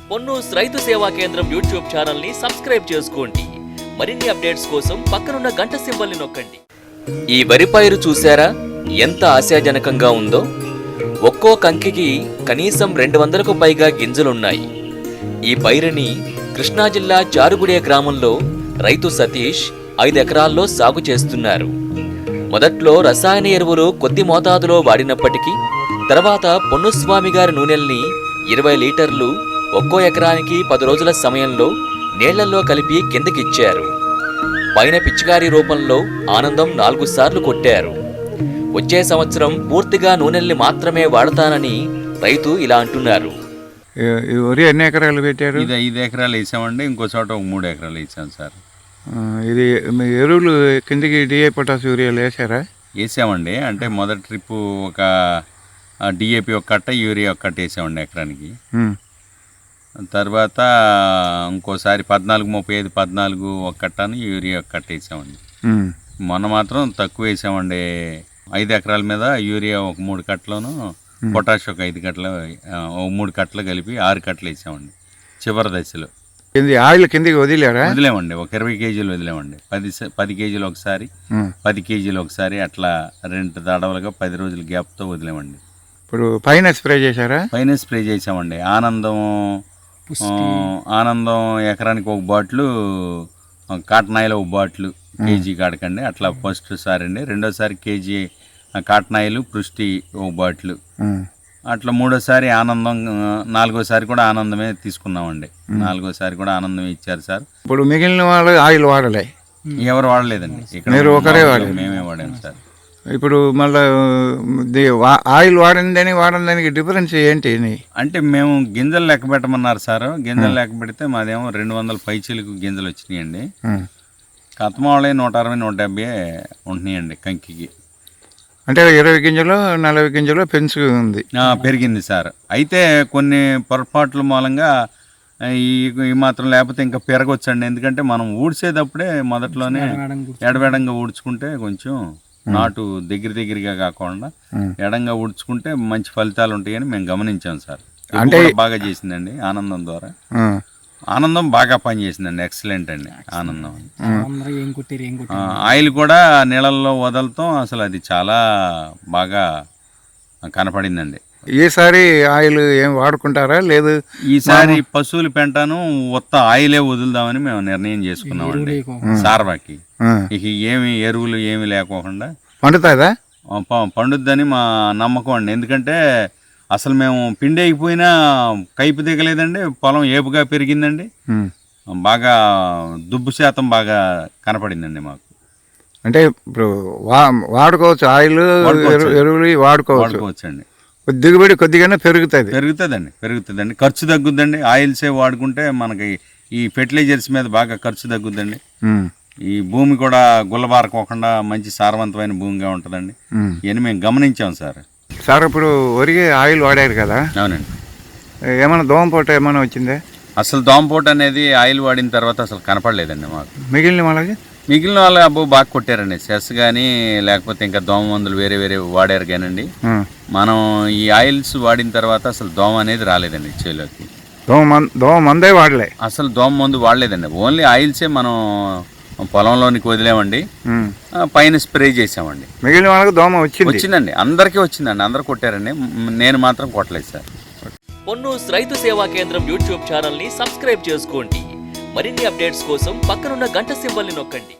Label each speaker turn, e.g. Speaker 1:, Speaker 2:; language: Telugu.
Speaker 1: పొన్నూస్ రైతు సేవా కేంద్రం యూట్యూబ్ ఛానల్ ని సబ్స్క్రైబ్ చేసుకోండి. మరిన్ని అప్డేట్స్ కోసం పక్కనున్న గంట సింబల్ ని నొక్కండి. ఈ వరి పైరు చూసారా ఎంత ఆశాజనకంగా ఉందో. ఒక్కో కంకికి కనీసం 200కు పైగా గింజలున్నాయి. ఈ పైరుని కృష్ణా జిల్లా చారుగుడే గ్రామంలో రైతు సతీష్ 5 ఎకరాల్లో సాగు చేస్తున్నారు. మొదట్లో రసాయన ఎరువులు కొద్ది మోతాదులో వాడినప్పటికీ తర్వాత పొన్నుస్వామి గారి నూనెల్ని 20 లీటర్లు ఒక్కో ఎకరానికి 10 రోజుల సమయంలో నీళ్లలో కలిపి కిందకిచ్చారు. పైన పిచికారీ రూపంలో ఆనందం 4 సార్లు కొట్టారు. వచ్చే సంవత్సరం పూర్తిగా నూనెల్ని మాత్రమే వాడతానని రైతు ఇలా అంటున్నారు.
Speaker 2: ఎన్ని ఎకరాలు పెట్టారు?
Speaker 3: ఇది 5 ఎకరాలు వేసామండి. ఇంకో చోట 3 ఎకరాలు వేసాం సార్.
Speaker 2: ఇది ఎరువులు కిందికి డిఏ పొటాస్ యూరియాలు వేసారా?
Speaker 3: వేసామండి. అంటే మొదటి ట్రిప్ ఒక డిఏపి ఒక కట్ట, యూరియా ఒక కట్ట వేసామండి ఎకరానికి. తర్వాత ఇంకోసారి 14-35 14 ఒక కట్టను, యూరియా ఒక కట్ట వేసామండి. మొన్న మాత్రం తక్కువ వేసామండి. 5 ఎకరాల మీద యూరియా ఒక 3 కట్టలను, పొటాష్ ఒక 5 కట్టలు, 3 కట్టలు కలిపి 6 కట్టలు వేసామండి చివరి దశలో.
Speaker 2: ఆయిల్ కిందకి
Speaker 3: వదిలేమండి. ఒక 20 కేజీలు వదిలేమండి. 10 కేజీలు ఒకసారి, 10 కేజీలు ఒకసారి, అట్లా 2 తడవలుగా 10 రోజుల గ్యాప్తో వదిలేమండి.
Speaker 2: ఇప్పుడు పైన స్ప్రే చేశారా?
Speaker 3: పైన స్ప్రే చేసామండి. ఆనందం ఎకరానికి ఒక బాటిల్, కాటన్ ఆయిల్ ఒక బాటిల్ కేజీ కాడకండి. అట్లా ఫస్ట్ సారి అండి. రెండోసారి కేజీ కాటన్ ఆయిల్, పుష్టి ఒక బాటిల్, అట్లా మూడోసారి ఆనందం, 4గోసారి కూడా ఆనందమే తీసుకున్నామండి. 4గోసారి కూడా ఆనందమే ఇచ్చారు సార్.
Speaker 2: ఇప్పుడు మిగిలిన వాళ్ళు ఆయిల్ వాడలే?
Speaker 3: ఎవరు వాడలేదండి. ఇక్కడ
Speaker 2: మీరు ఒకరే వాడారు?
Speaker 3: మేమే వాడాము సార్.
Speaker 2: ఇప్పుడు మళ్ళీ ఆయిల్ వాడడానికి డిఫరెన్స్ ఏంటి?
Speaker 3: అంటే మేము గింజలు లెక్క పెట్టమన్నారు సార్. గింజలు లెక్క పెడితే మాదేమో 200 పైచీలకు గింజలు వచ్చినాయండి. కత్మ వాళ్ళే 160-170 ఉంటున్నాయండి కంకికి.
Speaker 2: అంటే 20 గింజలు 40 గింజలు పెంచుకుంది,
Speaker 3: పెరిగింది సార్. అయితే కొన్ని పొరపాట్ల మూలంగా ఈ మాత్రం లేకపోతే ఇంకా పెరగొచ్చండి. ఎందుకంటే మనం ఊడ్చేటప్పుడే మొదట్లోనే ఎడబెడంగా ఊడ్చుకుంటే కొంచెం నాటు దగ్గరగా కాకుండా ఎడంగా ఊడ్చుకుంటే మంచి ఫలితాలు ఉంటాయని మేము గమనించాం సార్. అంటే బాగా చేసిందండి ఆనందం ద్వారా. ఆనందం బాగా పనిచేసిందండి. ఎక్సలెంట్ అండి ఆనందం. ఆయిల్ కూడా నీళ్ళల్లో వదలటం అసలు అది చాలా బాగా కనపడిందండి.
Speaker 2: ఈసారి ఆయిల్ ఏం వాడుకుంటారా? లేదు,
Speaker 3: ఈసారి పశువుల పెంటను ఉత్త ఆయిలే వదులుదామని మేము నిర్ణయం చేసుకున్నామండి. సార్వాకి ఇక ఏమి ఎరువులు ఏమి లేకోకుండా
Speaker 2: పండుతుందా?
Speaker 3: పండుద్దని మా నమ్మకం అండి. ఎందుకంటే అసలు మేము పిండి అయిపోయినా కైపు దిగలేదండి. పొలం ఏపుగా పెరిగిందండి. బాగా దుబ్బు శాతం బాగా కనపడిందండి మాకు.
Speaker 2: అంటే ఇప్పుడు వాడుకోవచ్చు, ఆయిల్ ఎరువులు వాడుకోవచ్చు అండి. దిగుబడి కొద్దిగానే
Speaker 3: పెరుగుతుందండి. ఖర్చు తగ్గుద్దండి. ఆయిల్సే వాడుకుంటే మనకి ఈ ఫెర్టిలైజర్స్ మీద బాగా ఖర్చు తగ్గుద్దండి. ఈ భూమి కూడా గుల్లబారకోకుండా మంచి సారవంతమైన భూమిగా ఉంటుందండి. ఇవన్నీ మేము గమనించాం సార్.
Speaker 2: ఇప్పుడు వరికి ఆయిల్ వాడారు కదా?
Speaker 3: అవునండి.
Speaker 2: ఏమైనా దోమపోట ఏమైనా వచ్చిందే?
Speaker 3: అసలు దోమపోట అనేది ఆయిల్ వాడిన తర్వాత అసలు కనపడలేదండి మాకు. మిగిలిన వాళ్ళు అబ్బో బాగా కొట్టారండి. సెస్ కానీ లేకపోతే ఇంకా దోమ మందులు వేరే వాడారు కానండి. మనం ఈ ఆయిల్స్ వాడిన తర్వాత అసలు దోమ అనేది రాలేదండి చేలోకి.
Speaker 2: దోమ మందే వాడలే?
Speaker 3: అసలు దోమ మందు వాడలేదండి. ఓన్లీ ఆయిల్సే మనం పొలంలోనికి వదిలేమండి. పైన స్ప్రే చేసామండి.
Speaker 2: మిగిలిన వాళ్ళకి దోమ
Speaker 3: వచ్చిందండి. అందరికీ వచ్చిందండి. అందరు కొట్టారండి. నేను మాత్రం కొట్టలేదు సార్.
Speaker 1: పొన్నూస్ రైతు సేవా కేంద్రం యూట్యూబ్ ఛానల్ ని సబ్స్క్రైబ్ చేసుకోండి. మరిన్ని అప్డేట్స్ కోసం పక్కనున్న గంట సింబల్ ని నొక్కండి.